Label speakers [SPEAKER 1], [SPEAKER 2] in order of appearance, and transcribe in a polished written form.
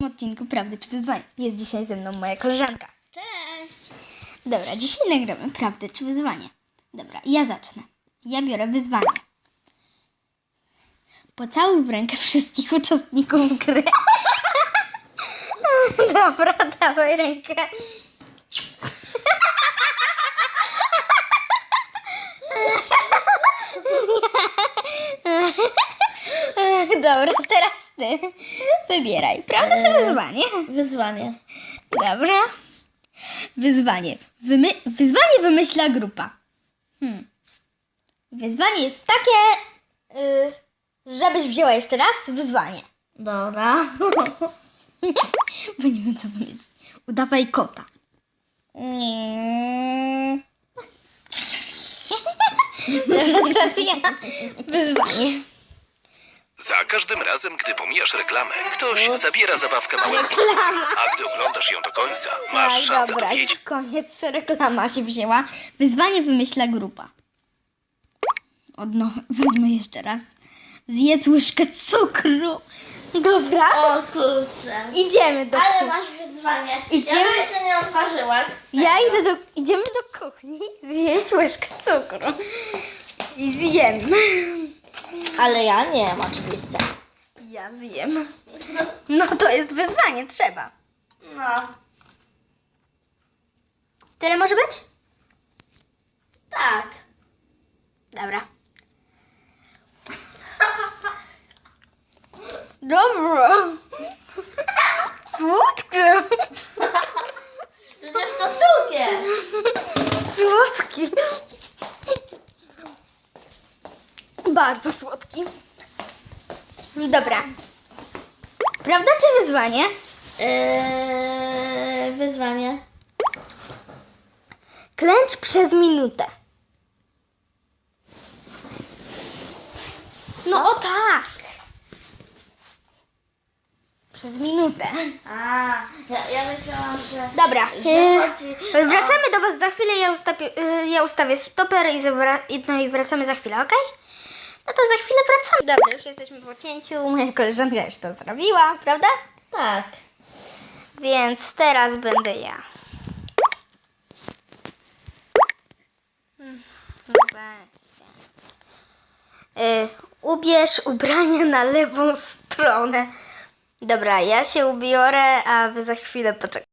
[SPEAKER 1] Odcinku Prawdy czy Wyzwanie. Jest dzisiaj ze mną moja koleżanka.
[SPEAKER 2] Cześć!
[SPEAKER 1] Dobra, dzisiaj nagramy Prawdę czy Wyzwanie. Dobra, ja zacznę. Ja biorę wyzwanie. Pocałuj w rękę wszystkich uczestników gry. Dobra, dawaj rękę. Dobra, teraz ty. Wybieraj. Prawda czy wyzwanie?
[SPEAKER 2] Wyzwanie.
[SPEAKER 1] Dobra. Wyzwanie. Wyzwanie wymyśla grupa. Wyzwanie jest takie, żebyś wzięła jeszcze raz wyzwanie.
[SPEAKER 2] Dobra.
[SPEAKER 1] Bo nie wiem, co powiedzieć. Udawaj kota. Dobra, teraz ja. Wyzwanie.
[SPEAKER 3] Za każdym razem, gdy pomijasz reklamę, ktoś zabiera zabawkę małemu komuś, a gdy oglądasz ją do końca, masz szansę
[SPEAKER 1] dobra,
[SPEAKER 3] dowiedzieć.
[SPEAKER 1] już koniec. Reklama się wzięła. Wyzwanie wymyśla grupa. Wezmę jeszcze raz. Zjedz łyżkę cukru. Dobra.
[SPEAKER 2] O kurczę.
[SPEAKER 1] Idziemy do
[SPEAKER 2] Ale
[SPEAKER 1] kuchni.
[SPEAKER 2] masz wyzwanie.
[SPEAKER 1] Idziemy?
[SPEAKER 2] Ja bym jeszcze nie otworzyła.
[SPEAKER 1] Idziemy do kuchni zjeść łyżkę cukru. I zjem.
[SPEAKER 2] Ale ja nie wiem oczywiście.
[SPEAKER 1] Ja zjem. No to jest wyzwanie, trzeba.
[SPEAKER 2] No.
[SPEAKER 1] Tyle może być?
[SPEAKER 2] Tak.
[SPEAKER 1] Dobra. Dobra. Słodkie.
[SPEAKER 2] Przecież to cukier.
[SPEAKER 1] Słodki. Bardzo słodki. Dobra. Prawda czy wyzwanie?
[SPEAKER 2] Wyzwanie.
[SPEAKER 1] Klęcz przez minutę. No o tak. Przez minutę.
[SPEAKER 2] Ja myślałam, że...
[SPEAKER 1] Dobra.
[SPEAKER 2] chodzi
[SPEAKER 1] Wracamy do Was za chwilę. Ja ustawię stoper i wracamy za chwilę, ok? No to za chwilę wracamy. Dobra, już jesteśmy po cięciu. Moja koleżanka już to zrobiła, prawda?
[SPEAKER 2] Tak.
[SPEAKER 1] Więc teraz będę ja. Weźcie. Ubierz ubrania na lewą stronę. Dobra, ja się ubiorę, a Wy za chwilę poczekajcie.